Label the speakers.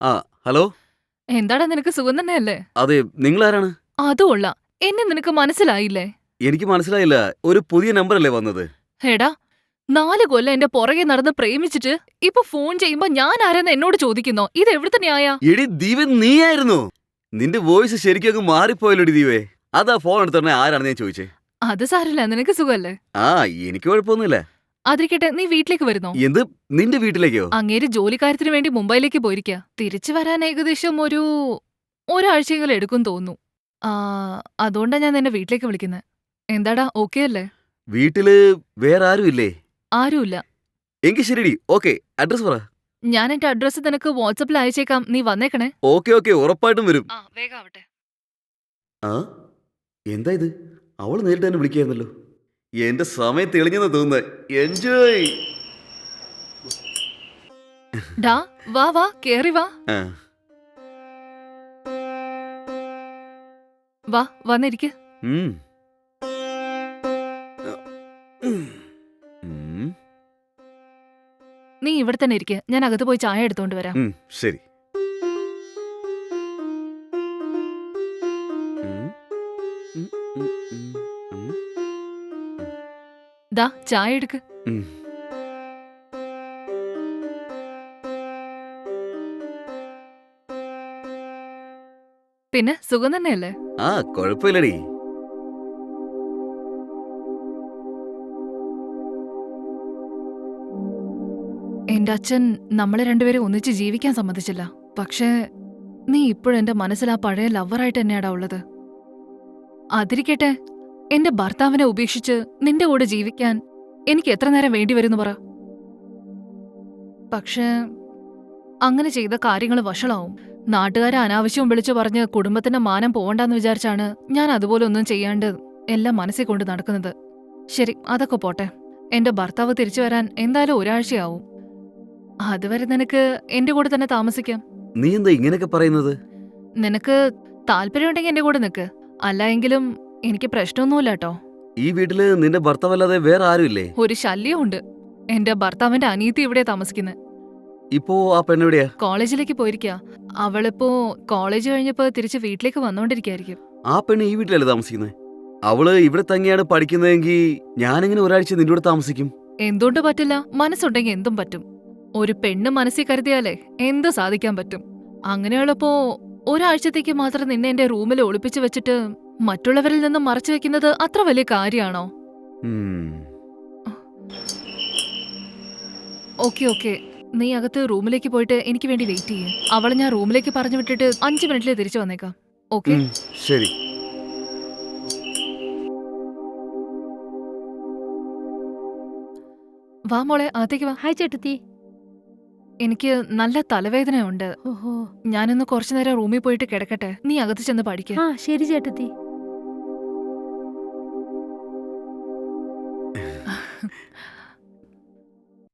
Speaker 1: ആ ഹലോ.
Speaker 2: എന്താടാ നിനക്ക് സുഖം തന്നെയല്ലേ?
Speaker 1: അതെ, നിങ്ങളാരാണ്?
Speaker 2: അതും കൊള്ളാം. എന്നെ നിനക്ക് മനസ്സിലായില്ലേ?
Speaker 1: എനിക്ക് മനസ്സിലായില്ല. ഒരു പുതിയ നമ്പറല്ലേ വന്നത്?
Speaker 2: എടാ, 4 കൊല്ലം എന്റെ പുറകെ നടന്ന് പ്രേമിച്ചിട്ട് ഇപ്പൊ ഫോൺ ചെയ്യുമ്പോ ഞാൻ ആരെന്ന് എന്നോട് ചോദിക്കുന്നോ? ഇത് എവിടുത്തെ ന്യായാ?
Speaker 1: എടി ദീപേ, നീയായിരുന്നോ? നിന്റെ വോയിസ് ശരിക്കും അങ്ങ് മാറിപ്പോയല്ലോടി ദീപേ. അതാ ഫോൺ എടുത്തോടനെ ആരാണെന്ന് ഞാൻ ചോദിച്ചേ.
Speaker 2: അത് സാരമില്ല, നിനക്ക് സുഖല്ലേ?
Speaker 1: ആ, എനിക്ക് കുഴപ്പമൊന്നുമില്ല.
Speaker 2: അതിരിക്കട്ടെ, നീ വീട്ടിലേക്ക് വരുന്നോ?
Speaker 1: എന്ത്, നിന്റെ വീട്ടിലേക്കോ?
Speaker 2: അങ്ങേര് ജോലിക്കാര്യത്തിന് വേണ്ടി മുംബൈയിലേക്ക് പോയിരിക്കാ. തിരിച്ചു വരാൻ ഏകദേശം ഒരാഴ്ചയെങ്കിലും എടുക്കും തോന്നുന്നു. ആ, അതുകൊണ്ടാ ഞാൻ നിന്നെ വീട്ടിലേക്ക് വിളിക്കുന്നത്. എന്താടാ, ഓക്കെ അല്ലേ?
Speaker 1: വീട്ടില് വേറെ ആരും ഇല്ലേ?
Speaker 2: ആരുമില്ല.
Speaker 1: എങ്കിൽ ശരിടി, ഓക്കെ. അഡ്രസ് പറ.
Speaker 2: ഞാൻ എന്റെ അഡ്രസ്സ് നിനക്ക് വാട്സപ്പിൽ അയച്ചേക്കാം, നീ വന്നേക്കണേ.
Speaker 1: ഓക്കെ ഓക്കെ, ഉറപ്പായിട്ടും വരും.
Speaker 2: വേഗം ആവട്ടെ.
Speaker 1: ആ, എന്താ ഇത്? അവള് നേരിട്ട് തന്നെ വിളിക്കായിരുന്നല്ലോ. എന്റെ സമയം തെളിഞ്ഞെന്ന് തോന്നുന്നത്. എൻജോയ്.
Speaker 2: ഡാ, വാ വാ, കേറി വാ.
Speaker 1: ആ,
Speaker 2: വാ, വന്നിരിക്ക്.
Speaker 1: ഉം. ഉം,
Speaker 2: നീ ഇവിടെ തന്നെ ഇരിക്ക്, ഞാൻ അകത്ത് പോയി ചായ എടുത്തോണ്ട് വരാം.
Speaker 1: ശരി. ഉം, ഉം, ഉം, ഉം, ഉം,
Speaker 2: ദാ, ചായ എടുക്ക്.
Speaker 1: ഉം.
Speaker 2: പിന്നെ സുഖം തന്നെയല്ലേ?
Speaker 1: ആ, കുഴപ്പമില്ലടി.
Speaker 2: എന്റെ അച്ഛൻ നമ്മളെ രണ്ടുപേരും ഒന്നിച്ച് ജീവിക്കാൻ സമ്മതിച്ചില്ല. പക്ഷേ നീ ഇപ്പോഴും എന്റെ മനസ്സിൽ ആ പഴയ ലവറായിട്ട് തന്നെയാടാ ഉള്ളത്. അതിരിക്കട്ടെ, എന്റെ ഭർത്താവിനെ ഉപേക്ഷിച്ച് നിന്റെ കൂടെ ജീവിക്കാൻ എനിക്ക് എത്ര നേരം വേണ്ടി വരുന്നു പറ. പക്ഷേ അങ്ങനെ ചെയ്ത കാര്യങ്ങൾ വഷളാവും. നാട്ടുകാരെ അനാവശ്യവും വിളിച്ചു പറഞ്ഞ് കുടുംബത്തിന്റെ മാനം പോവണ്ടെന്ന് വിചാരിച്ചാണ് ഞാൻ അതുപോലെ ഒന്നും ചെയ്യാണ്ട് എല്ലാം മനസ്സിൽ കൊണ്ട് നടക്കുന്നത്. ശരി, അതൊക്കെ പോട്ടെ. എന്റെ ഭർത്താവ് തിരിച്ചു വരാൻ എന്തായാലും ഒരാഴ്ചയാവും. അതുവരെ നിനക്ക് എന്റെ കൂടെ തന്നെ താമസിക്കാം.
Speaker 1: നീ എന്താ ഇങ്ങനെയൊക്കെ പറയുന്നത്?
Speaker 2: നിനക്ക് താല്പര്യമുണ്ടെങ്കിൽ എന്റെ കൂടെ നിക്ക്. അല്ല എങ്കിലും എനിക്ക് പ്രശ്നമൊന്നുമില്ല കേട്ടോ.
Speaker 1: ഈ വീട്ടില് നിന്റെ ഭർത്താവല്ലാതെ വേറെ ആരുമില്ലേ?
Speaker 2: ഒരു ശല്യമുണ്ട്. എന്റെ ഭർത്താവിന്റെ അനിയത്തി ഇവിടെ താമസിക്കുന്നത്.
Speaker 1: ഇപ്പോ ആ പെണ്ണെവിടെയാ?
Speaker 2: കോളേജിലേക്ക് പോയിരിക്കാ. അവളിപ്പോ കോളേജ് കഴിഞ്ഞപ്പോ തിരിച്ച് വീട്ടിലേക്ക് വന്നോണ്ടിരിക്കായിരിക്കും.
Speaker 1: ആ പെണ്ണ് ഈ വീട്ടിലല്ലേ താമസിക്കുന്നത്? അവള് ഇവിടെ തന്നെയാണ് പഠിക്കുന്നതെങ്കിൽ ഞാനെങ്ങനെ ഒരാഴ്ച നിന്റെ കൂടെ താമസിക്കും?
Speaker 2: എന്തുകൊണ്ട് പറ്റില്ല? മനസ്സുണ്ടെങ്കിൽ എന്തും പറ്റും. ഒരു പെണ്ണ് മനസ്സിൽ കരുതിയാലേ എന്ത് സാധിക്കാൻ പറ്റും. അങ്ങനെയുള്ളപ്പോ ഒരാഴ്ചത്തേക്ക് മാത്രം നിന്നെ എന്റെ റൂമിൽ ഒളിപ്പിച്ചു വെച്ചിട്ട് മറ്റുള്ളവരിൽ നിന്നും മറച്ചു വെക്കുന്നത് അത്ര വലിയ കാര്യാണോ? ഓക്കെ ഓക്കെ, നീ അകത്ത് റൂമിലേക്ക് പോയിട്ട് എനിക്ക് വേണ്ടി വെയിറ്റ് ചെയ്യേ. അവളെ ഞാൻ റൂമിലേക്ക് പറഞ്ഞു വിട്ടിട്ട് 5 മിനിറ്റിൽ തിരിച്ചു വന്നേക്കാം. ഓക്കെ?
Speaker 1: ശരി.
Speaker 2: വാ മോളെ, അകത്തേക്ക് വാ.
Speaker 3: ഹായ് ചേട്ടത്തി.
Speaker 2: എനിക്ക് നല്ല തലവേദനയുണ്ട്.
Speaker 3: ഓഹോ.
Speaker 2: ഞാനൊന്ന് കുറച്ചു നേരം റൂമിൽ പോയിട്ട് കിടക്കട്ടെ. നീ അകത്ത് ചെന്ന് പഠിക്ക.
Speaker 3: ആ ശരി ചേട്ടത്തി.